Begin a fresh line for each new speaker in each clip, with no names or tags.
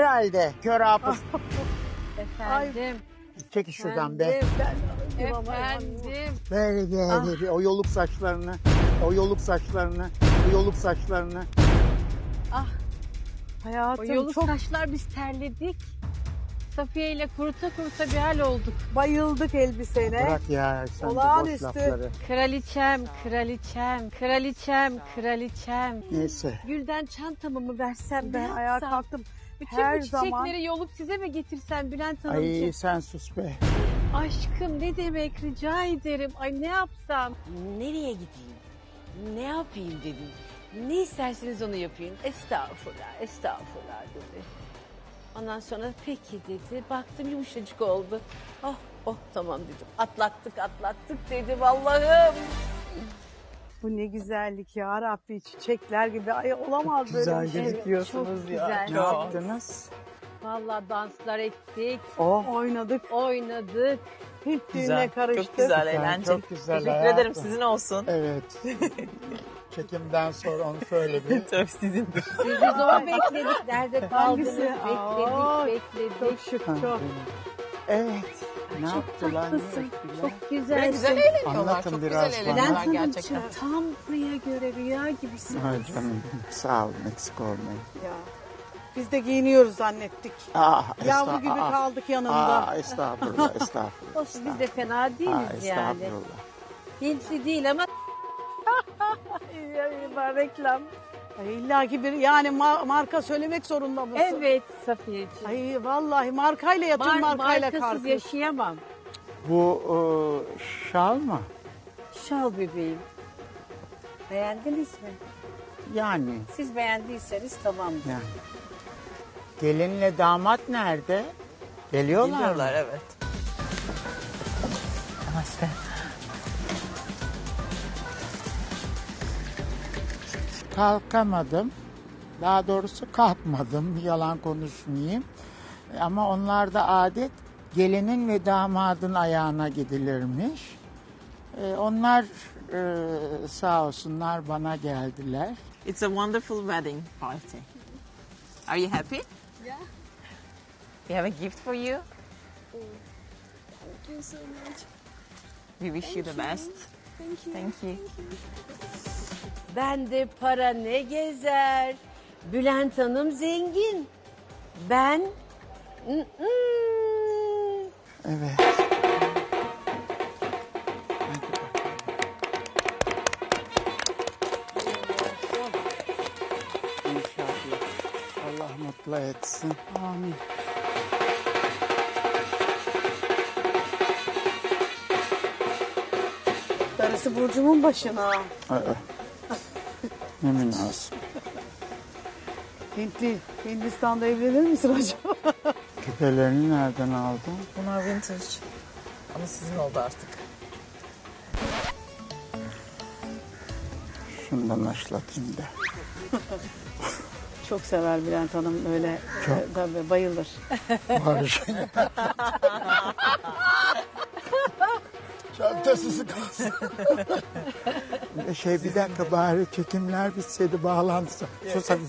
herhalde. Kör hafız.
Efendim.
Çekil şuradan be.
Efendim.
Böyle o yoluk saçlarını. O yoluk saçlarını. O yoluk saçlarını.
O
Hayatım
yoluk
çok
saçlar biz terledik. Safiye ile kuruta kuruta bir hal olduk.
bayıldık elbisene.
Bırak ya sen de boş
Olağanüstü.
lafları.
Kraliçem, kraliçem, kraliçem, kraliçem.
Neyse.
Gülden çantamı mı versem
Ben
ne
ayağa
yapsam?
kalktım.
Bütün
Her
bu çiçekleri
zaman
yolup size mi getirsem Bülent
Ay
Hanımcığım?
sen sus be.
Aşkım ne demek rica ederim. Ay ne yapsam?
Nereye gideyim? Ne yapayım dedim. Ne isterseniz onu yapayım. Estağfurullah, estağfurullah dedi. Ondan sonra peki dedi. Baktım yumuşacık oldu. Oh, oh tamam dedim. Atlattık dedim Allah'ım.
bu ne güzellik ya Rabbi, çiçekler gibi. Ay olamaz böyle
Güzel
bir şey.
gözüküyorsunuz
çok
ya.
güzel.
Ne yaptınız?
Vallahi danslar ettik,
Oh.
Oynadık.
oynadık.
Hint düğüne
Güzel,
karıştık.
çok güzel,
Güzel,
eğlenceli.
çok güzel
Teşekkür
hayatım.
ederim, sizin olsun.
Evet. Çekimden sonra onu söyle bir.
Tabii sizindir.
Sizi zor bekledik. Nerede kaldınız?
Hangisi? Aa,
Bekledik.
Çok şık çok.
Evet. Ne
Çok
yaptılar?
tatlısın.
Ne ettiler?
Çok güzelsin.
Böyle güzel eğleniyorlar.
Anlatın
Çok
biraz
güzel
bana.
Bülent
eğleniyorlar
Hanımcığım
gerçekten.
tam rüya göre rüya gibisin.
Ay canım sağ olun eksik olmayın.
Ya. Biz de giyiniyoruz zannettik. Yavru gibi
aa,
kaldık yanında.
estağfurullah estağfurullah.
Olsun biz de fena değiliz yani.
Estağfurullah.
Hintli değil ama reklam.
Ay, İlla ki bir yani marka söylemek zorunda mısın?
Evet Safiyeciğim.
Ay vallahi markayla yatın markayla
markasız
kalkın.
yaşayamam.
Bu şal mı?
Şal bebeğim. Beğendiniz mi?
Yani.
Siz beğendiyseniz tamam.
Yani. Gelinle damat nerede? Geliyorlar mı?
Biliyorlar, evet. Namaste.
Kalkamadım. Daha doğrusu kalkmadım. Yalan konuşmayayım. Ama onlarda adet gelinin ve damadın ayağına gidilirmiş. Onlar sağ olsunlar bana geldiler.
It's a wonderful wedding party. Are you happy?
Yeah.
We have a gift for you.
Thank you so much.
We wish you the best.
Thank you.
Thank you.
Bende para ne gezer. Bülent Hanım zengin. Ben...
Evet. İnşallah. Allah mutlu etsin.
Amin. Darısı Burcu'mun başına.
Aa, ne münasip.
Hindistan'da evlenir misin acaba?
Küpelerini nereden aldın?
Bunlar vintage. Ama sizin oldu artık.
Şundan başlatayım da.
Çok sever Bülent Hanım öyle. Tabii bayılır.
Barış. Çantasız kalsın. Bir dakika bari çekimler bitseydi bağlantısı. Sus hadi.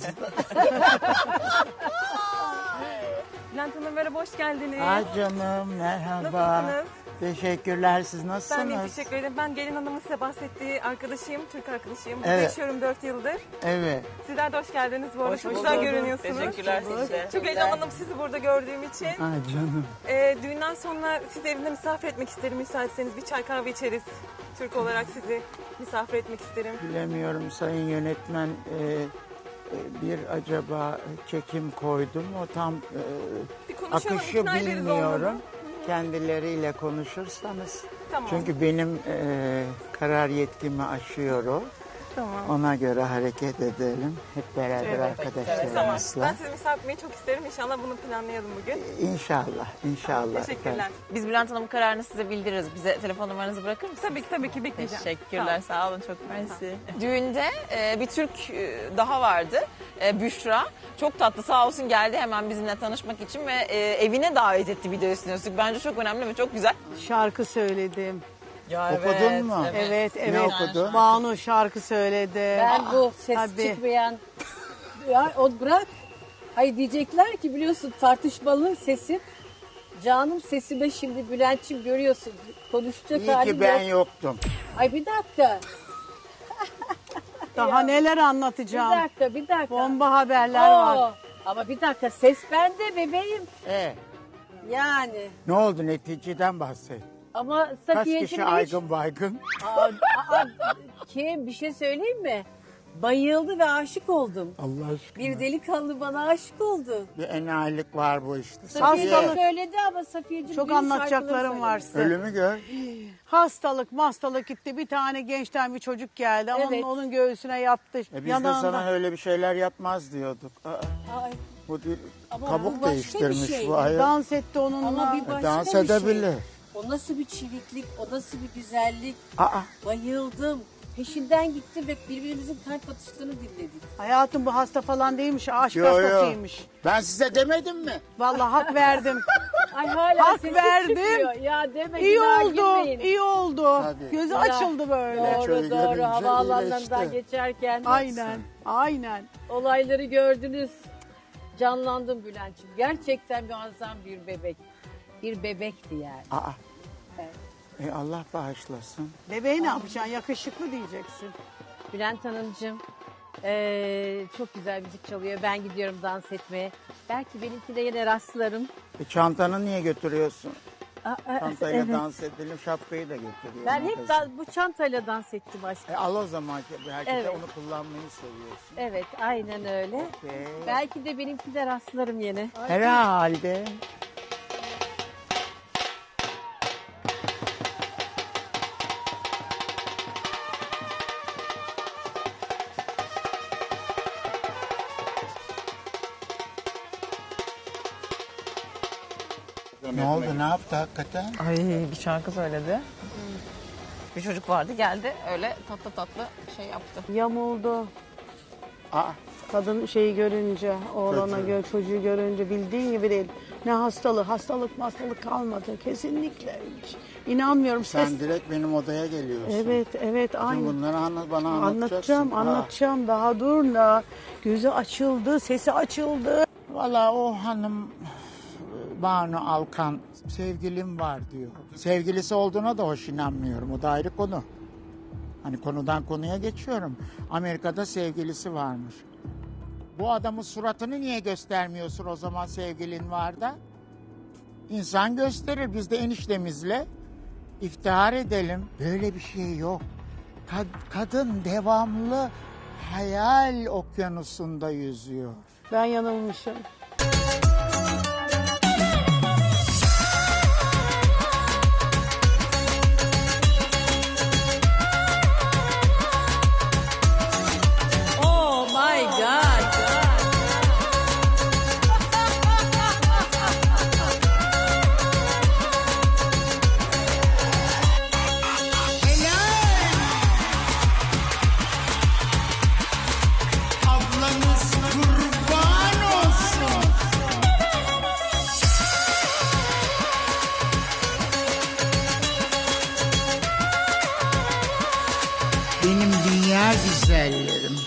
Bülent Hanım merhaba, hoş geldiniz.
Ay canım merhaba.
Nasılsınız?
Teşekkürler siz nasılsınız?
Ben de teşekkür ederim. Ben gelin hanımın size bahsettiği arkadaşıyım, Türk arkadaşıyım. Burada
Evet.
yaşıyorum 4 yıldır.
Evet.
Sizler de hoş geldiniz bu arada.
Hoş
Çok
bulduk.
güzel görünüyorsunuz.
Teşekkürler size.
Çok heyecanlandım sizi burada gördüğüm için.
Ay canım.
Düğünden sonra sizi evimde misafir etmek isterim. Müsaitseniz bir çay kahve içeriz. Türk olarak sizi misafir etmek isterim.
Bilemiyorum sayın yönetmen bir acaba çekim koydum o tam
Bir konuşalım,
akışı
ikna ederiz
bilmiyorum.
olmadı.
Kendileriyle konuşursanız.
Tamam.
Çünkü benim karar yetkimi aşıyor o.
Tamam.
Ona göre hareket edelim. Hep beraber
Tamam.
arkadaşlarımızla.
Ben sizi misafir etmeyi çok isterim. İnşallah bunu planlayalım bugün.
İnşallah, inşallah.
Teşekkürler.
Biz Bülent Hanım'ın kararını size bildiririz. Bize telefon numaranızı bırakır mısınız?
Tabii ki bekleyeceğim.
Teşekkürler, sağ olun, çok mersi. Düğünde bir Türk daha vardı, Büşra. Çok tatlı, sağ olsun geldi hemen bizimle tanışmak için ve evine davet etti bir de üstüne üstlük. Bence çok önemli ve çok güzel.
Şarkı söyledim.
Ya
Okudun mu?
Evet,
Ne
evet.
okudun?
Banu şarkı söyledi.
Ben bu ses
Tabii.
çıkmayan... Ya o bırak.
Hayır diyecekler ki biliyorsun tartışmalı sesim. Canım sesime şimdi Bülent'ciğim görüyorsun. Konuşacak
İyi
halim
ki ben
yok.
yoktum.
Ay bir dakika.
Daha neler
Bir
anlatacağım.
dakika bir dakika.
Bomba haberler var.
Oo, ama bir dakika ses bende bebeğim. Yani.
Ne oldu, neticeden bahset.
Ama
Kaç
Safiye'cim
kişi
de hiç-
aygın baygın?
Kim bir şey söyleyeyim mi? Bayıldı ve aşık oldum.
Allah aşkına.
Bir delikanlı bana aşık oldu.
Bir enayilik var bu işte.
Safiye de
Hastalık.
söyledi ama Safiye'cim
Çok
benim
anlatacaklarım
şarkılarımı
var
söyledi.
size.
Ölümü gör.
Hastalık gitti. Bir tane gençten bir çocuk geldi.
Evet.
Onun göğsüne yattı.
Biz de
yanağında.
sana öyle bir şeyler yapmaz diyorduk.
Ay,
Bu bir
Ama bu
kabuk
başka bir
değiştirmiş
şey.
bu ayol.
Dans etti onunla.
ama bir başka
Dans
bir şey.
edebilir.
O nasıl bir çeviklik, o nasıl bir güzellik.
Aa,
Bayıldım. Peşinden gittim ve birbirimizin kalp atışlarını dinledik.
Hayatım bu hasta falan değilmiş. Aşk
yo yo.
hastasıymış.
Ben size demedim mi?
Vallahi hak verdim.
Ay hala
Hak
sesim
verdim.
çıkmıyor. Ya deme
İyi
günah
oldu.
girmeyin.
İyi oldu.
Tabii.
Gözü
Ya.
açıldı böyle.
Çocuğu
Doğru doğru
görünce
havaalanlarından
iyileşti.
geçerken
Aynen. Aynen.
olayları gördünüz. Canlandım Bülent'ciğim. Gerçekten muazzam bir bebek. Bir bebekti yani.
Aa.
Evet.
Allah bağışlasın.
Bebeği ne yapacaksın? Yakışıklı diyeceksin.
Bülent Hanımcığım çok güzel müzik çalıyor. Ben gidiyorum dans etmeye. Belki benimki de yine rastlarım.
Çantanı niye götürüyorsun?
Aa,
Çantayla
evet.
dans edelim, şapkayı da götürüyorum.
Ben hep bu çantayla dans ettim aşkım.
Al o zaman, belki de
Evet.
onu kullanmayı seviyorsun.
Evet aynen öyle.
Okey.
Belki de benimki de rastlarım yine.
Herhalde. Ne oldu, ne yaptı hakikaten?
Ay bir şarkı söyledi. Bir çocuk vardı geldi öyle tatlı tatlı şey yaptı.
Yamuldu.
Aa,
Kadın şeyi görünce, oğlana çocuğu görünce bildiğin gibi değil. Ne hastalık kalmadı kesinlikle hiç. İnanmıyorum.
sen direkt benim odaya geliyorsun.
Evet
Bütün
aynı.
bunları bana anlatacaksın.
Anlatacağım. Daha dur da. Gözü açıldı, sesi açıldı.
Valla o hanım Banu Alkan sevgilim var diyor. Sevgilisi olduğuna da hoş inanmıyorum. O da ayrı konu. Hani konudan konuya geçiyorum. Amerika'da sevgilisi varmış. Bu adamın suratını niye göstermiyorsun o zaman sevgilin var da? İnsan gösterir. Biz de eniştemizle iftihar edelim. Böyle bir şey yok. Kadın devamlı hayal okyanusunda yüzüyor.
Ben yanılmışım.
Oh my God.
Ablanız kurban olsun. Benim dünya güzellerim.